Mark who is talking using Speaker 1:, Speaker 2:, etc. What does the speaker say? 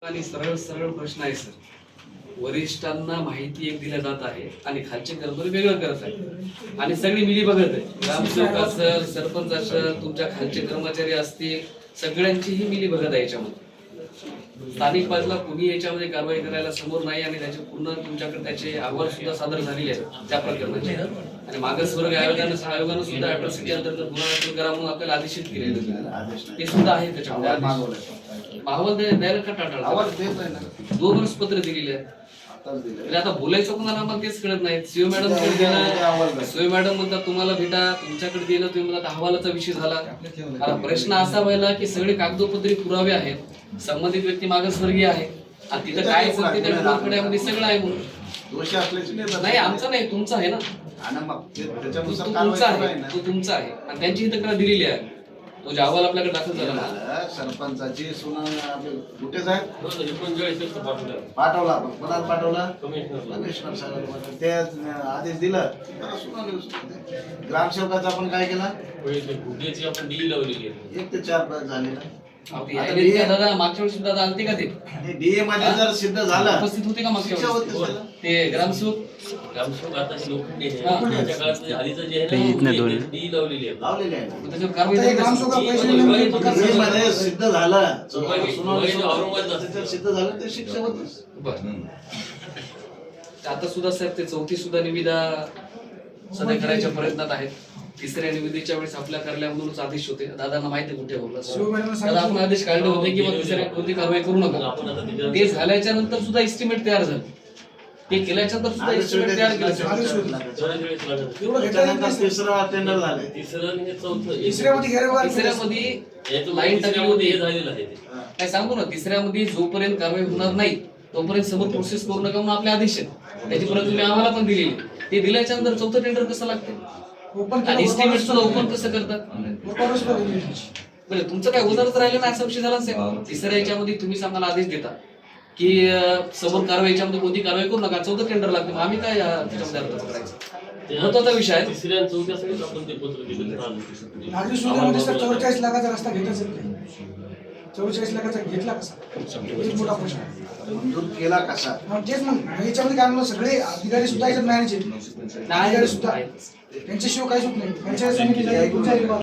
Speaker 1: आणि सरळ सरळ प्रश्न आहे सर. वरिष्ठांना माहिती एक दिल्या जात आहे आणि खालचे कर्मचारी वेगळं करत आहे आणि सगळी मिली बघत आहे. ग्रामसेवक असेल, सरपंच असेल, तुमच्या खालचे कर्मचारी असतील, सगळ्यांचीही मिली बघत आहे याच्यामध्ये. स्थानिक बाजूला कुणी याच्यामध्ये कारवाई करायला समोर नाही आणि त्याचे पूर्ण तुमच्याकडे त्याचे अहवाल सुद्धा सादर झालेले आहेत त्या प्रकरणाचे. आणि मागासवर्ग आयोगानं सुद्धा अॅट्रॉसिटी अंतर्गत गुन्हा दाखल करा म्हणून आपल्याला आदेशित केलेलं ते सुद्धा आहे त्याच्यामध्ये. अहवाल द्यायला का टाळाटाळ? 2 वर्ष पत्र दिलेले आहेत. आता बोलायचं कोणाला आम्हाला तेच कळत नाही. सीओ मॅडम सीओ मॅडम म्हणतात तुम्हाला भेटा, तुमच्याकडे दिलं, तुम्ही म्हणतात अहवालाचा विषय झाला. आता प्रश्न असा व्हायला की सगळे कागदोपत्री पुरावे आहेत, संबंधित व्यक्ती मागासवर्गीय आहे आणि तिथं काय सत्य त्या डोंगरकड्यामध्ये सगळं आहे म्हणून दोष असल्याची नाही. आमचा नाही, तुमचा आहे ना. तुमचा आहे, तो तुमचा आहे आणि त्यांची ही तक्रार दिलेली आहे. तो जे अहवाल आपल्याकडे दाखल झाला ना,
Speaker 2: सरपंचाची कुठेच आहे पाठवला आपण कोणाला पाठवला कमिशनर साहेबांना ते आदेश दिला. ग्रामसेवकाचा आपण काय केला, 1 ते 4 तास झाले ना.
Speaker 1: दादा मागच्या वेळी सुद्धा आलते का ते
Speaker 2: डीए मध्ये जर सिद्ध झालं
Speaker 1: उपस्थित होते का मागच्या वेळी ते ग्रामसेवक
Speaker 2: आता सिद्ध झालं सिद्ध झालं ते शिक्षा होत.
Speaker 1: आता सुद्धा साहेब ते 4थी सुद्धा निविदा सध्या करायच्या प्रयत्नात आहेत. 3ऱ्या निविदेच्या वेळेस आपल्या कार्यालयामधूनच आदेश होते. दादांना माहिती कुठे बोलला आपण आदेश काढले होते की 3ऱ्या कोणती कारवाई करू नका. ते झाल्याच्या नंतर सुद्धा एस्टिमेट तयार झालं. ते केल्याच्या नंतर सुद्धा एस्टिमेट तयार केलं.
Speaker 2: तिसरा टेंडर झाले.
Speaker 1: तिसऱ्यामध्ये लाईन टाकली होती. काय सांगू ना, 3ऱ्यामध्ये जोपर्यंत कारवाई होणार नाही तोपर्यंत समोर प्रोसेस करू नका म्हणून आपले आदेश आहेत. त्याची परत तुम्ही आम्हाला पण दिलेली. ते दिल्याच्या नंतर 4थं टेंडर कसं लागते आणि एस्टिमेट सुद्धा ओपन कसं करतात? बरं, तुमचं काय उदाहरण राहिलं ना, असा विषय झाला साहेब. 3ऱ्या याच्यामध्ये तुम्ही आम्हाला आदेश देता की समोर कारवाई याच्यामध्ये कोणती कारवाई करू नका, 4थं टेंडर लागते. मग आम्ही काय त्याच्यामध्ये अर्थ पकडायचा? महत्वाचा विषय आहे.
Speaker 3: 3ऱ्या आणि 4थ्यासाठी आपण ते पत्र दिलं.
Speaker 4: 44 लाखाचा रस्ता घेताच येत नाही. 44 लाखाचा घेतला कसा, मोठा प्रश्न.
Speaker 2: मंजूर केला कसा,
Speaker 4: तेच मग याच्यामध्ये काय म्हणलं, सगळे अधिकारी सुद्धा याच्यात मॅनेज आहेत, अधिकारी सुद्धा त्यांच्याशिवाय काहीच होत नाही. पंचायत समिती